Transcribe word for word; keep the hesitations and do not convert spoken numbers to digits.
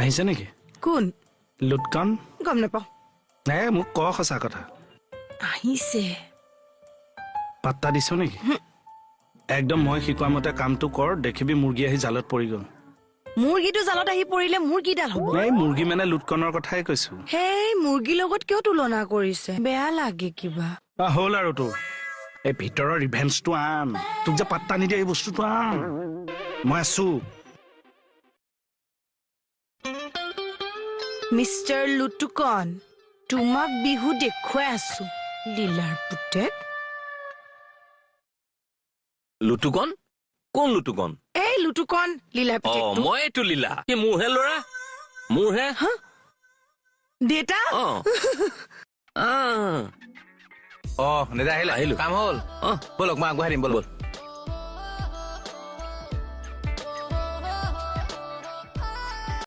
আহিছে নেকি কোন লুটকন গম নাপাওঁ নে মোক ক সঁচা কথা আহিছে পাত্তা দিছ নেকি একদম মই শিকোৱা মতে কামটো কৰ দেখিবি মুৰ্গী আহি জালত পৰি গ'ল মুৰ্গীটো জালত আহি পৰিলে মুৰ্গীডাল হ'ব এই মুৰ্গী মানে লুটকনৰ কথাই কৈছো হেই মুৰ্গীৰ লগত কিয় তুলনা কৰিছে বেয়া লাগে কিবা হ'ল আৰু তোৰ এই ভিতৰৰ ৰিভেঞ্চটো আন তোক যে পাত্তা নিদিয়ে এই বস্তুটো আন মই আছো মিষ্টাৰ লুটুকন তোমাক বিহু দেখুৱাই আছো লীলাৰ পুতেক লুটুকন কোন লুটুকন এই লুটুকন লীলাৰ অ পুতেক মই এইটো লীলা কি মোৰহে ল'ৰা মোৰহে দেতা অ অ দাদা আহিলা আহিলো। কাম হ'ল অ ব'লক মই আগবঢ়াই দিম ব'ল